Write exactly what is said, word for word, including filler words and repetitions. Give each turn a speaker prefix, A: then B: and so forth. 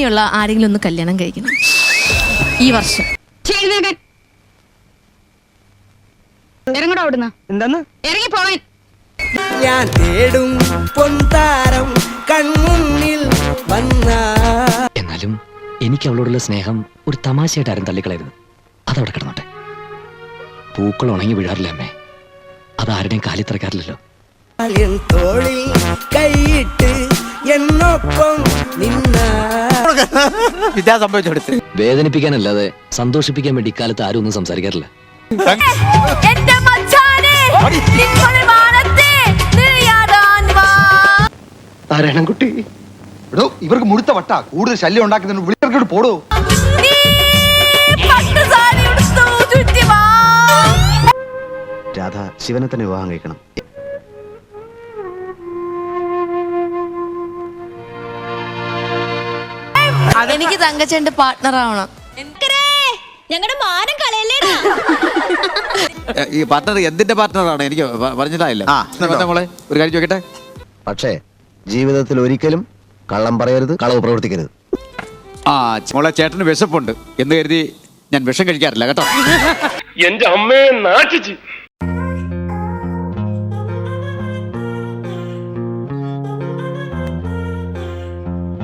A: അങ്ങനെയുള്ള ആരെങ്കിലും ഒന്ന് കല്യാണം കഴിക്കണം ഈ വർഷം.
B: ഇറങ്ങടാ അവിടുന്ന്.
C: എന്താന്ന്
B: ഇറങ്ങി പോവാൻ.
C: ഞാൻ തേടും പൊൻതാരം കൺമുന്നിൽ വന്ന.
D: എന്നാലും എനിക്ക് അവളോടുള്ള സ്നേഹം ഒരു തമാശയായിട്ട് ആരും തള്ളിക്കളരുത്. അതവിടെ കിടന്നോട്ടെ. പൂക്കൾ ഉണങ്ങി വീഴാറില്ല അമ്മേ, അതാരുടെയും കാലി തിറക്കാറില്ലല്ലോ.
C: തോളിൽ കൈയിട്ട് എന്നൊപ്പം നിന്ന
E: വിദ്യാ സംഭവിച്ചെടുത്ത്
D: വേദനിപ്പിക്കാനല്ലാതെ സന്തോഷിപ്പിക്കാൻ വേണ്ടി ഇക്കാലത്ത് ആരും ഒന്നും സംസാരിക്കാറില്ല.
E: നാരായണൻകുട്ടി,
F: ഇവർക്ക് മുഴുത്ത വട്ട കൂടുതൽ ശല്യം ഉണ്ടാക്കുന്നതിന് വിളിച്ചവർക്ക് പോടോ.
E: രാധ ശിവനെ തന്നെ വിവാഹം കഴിക്കണം.
A: എനിക്ക് തങ്കച്ചന്റെ പാർട്ട്ണർ ആവണം.
B: ഞങ്ങളുടെ മാനം കളയല്ലേ.
G: ഈ പാർട്ട്ണർ എന്തിന്റെ പാർട്ട്ണറാണ് എനിക്ക് പറഞ്ഞിട്ടായില്ല. മോളെ ഒരു കാര്യം ചോദിക്കട്ടെ.
E: പക്ഷേ ജീവിതത്തിൽ ഒരിക്കലും കള്ളം പറയരുത്, കളവ് പ്രവർത്തിക്കരുത്.
G: ആ മോളെ, ചേട്ടന് വിശപ്പുണ്ട് എന്ന് കരുതി ഞാൻ വിഷം കഴിക്കാറില്ല കേട്ടോ.
H: എന്റെ അമ്മയെ നാട്ടിച്ച്